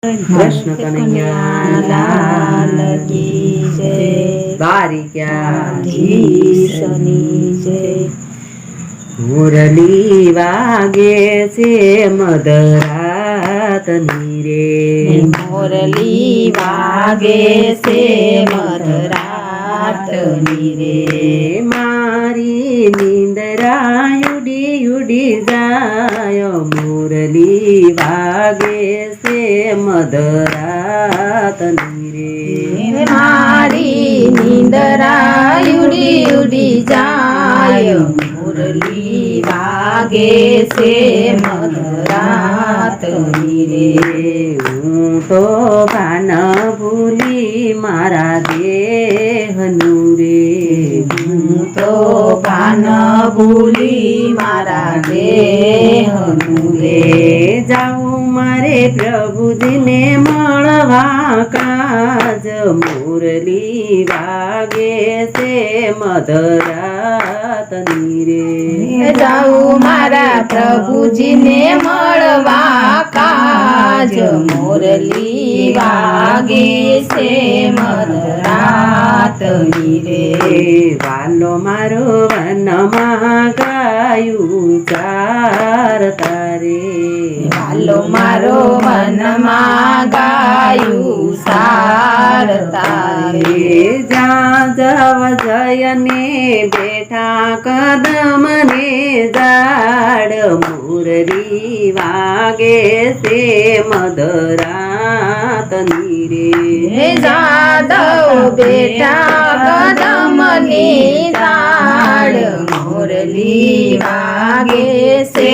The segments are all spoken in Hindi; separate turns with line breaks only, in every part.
कृष्ण कन्हैया लाल की जय। द्वारिकाधीशनी जय। मुरली वागे से मदरातनी रे, मुरली वागे से मदरातनी रे। मारी निंदरा उड़ी उड़ी जाय, मुरली वागे से मदरातनी रे। मारी निंदरा उड़ी उड़ी जाय, मुरली वागे से मदरातनी रे। हूँ तो भान भूली मारा देहनु रे, हूँ तो भान भूली मारा देहनु रे। जाऊँ मारे प्रभु जी ने मळवा काज, मुरली वागे से मदरातनी रे। जाऊँ मारा प्रभु जी ने मळवा काज, मुरली वागे से मदरातनी रे। वालो मारो वनमा गायु चारता रे, वालो मारो वनमा गायु सारता रे। जा जव जयने बेठा कदम ने जाड़, मुरली वागे से मदरातनी रे। जादव बेटा कदम ने जाड़, मुरली वागे से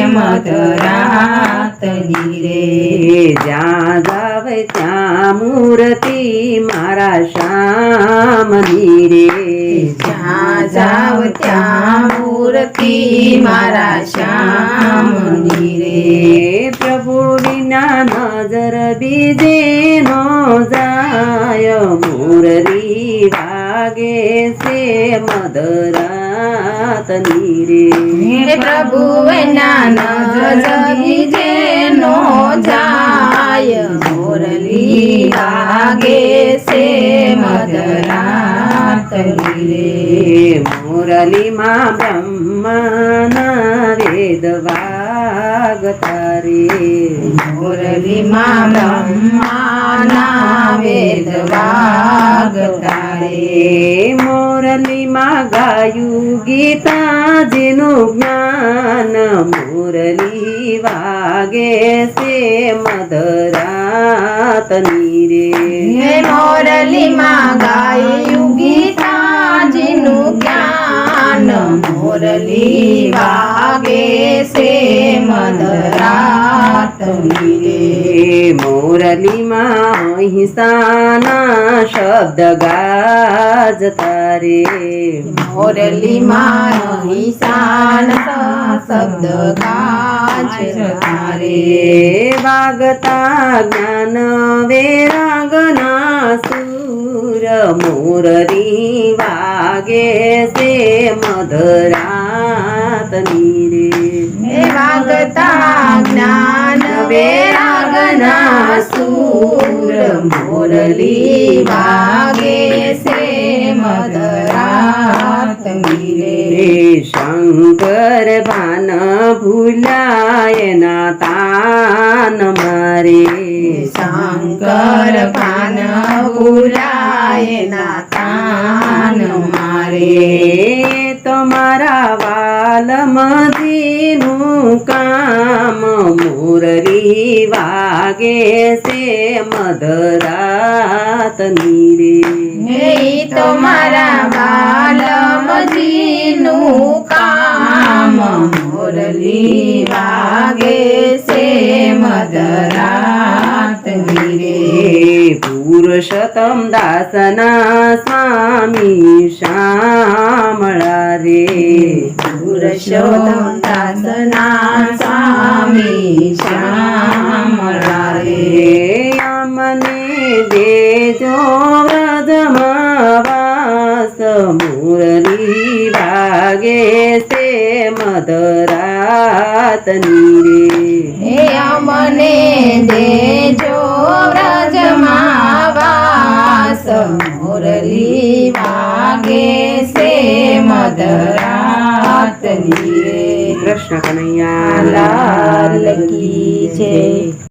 मदरातनी रे। जा जाव त्या मूर्ति मारा श्यामनी रे, जा जाव त्या मूर्ति मारा श्यामनी रे। प्रभु बिना नजर बीजे न जाय, मुरली वागे से मदरातनी रे। प्रभु बिना नजर बीजे न जाय, मुरली वागे से मदरातनी रे। मुरली मा ब्रह्मना वेद वागता रे, मुरली मा ब्रह्मना वेद वागता रे। मुरली मा गायु गीता जिनु ज्ञान, मुरली वागे से मदरातनी रे। मुरली मा गायु गीता जिनु ज्ञान, मुरली वागे से मदरातनी रे। मुरली मा हिसाना शब्द गाजता रे, मुरली मा हिसाना शब्द गाजता रे। वागता ज्ञान वैरागना सूर, मुरली वागे से मदरातनी रे। वागता ज्ञान वैरागना सूर, मुरली वागे से मदरातनी रे। शंकर भान भुलाय ना तान मारे, शंकर भान भुलाय ना तान मारे। तुम्हारा वाल मदीनु काम, मुरली वागे से मदरातनी रे। तुम्हारा वाल मदीनु काम, मुरली वागे से मदरातनी रे। पुरुषोत्तम दासना स्वामी श्यामळा रे, पुरुषोत्तम दासना स्वामी श्यामळा रे। अमने देजो व्रजमावास, मुरली वागे से मदरातनी रे। अमने देजो
મધરાતની રે.
કૃષ્ણ કનૈયા
લાલ કી જય.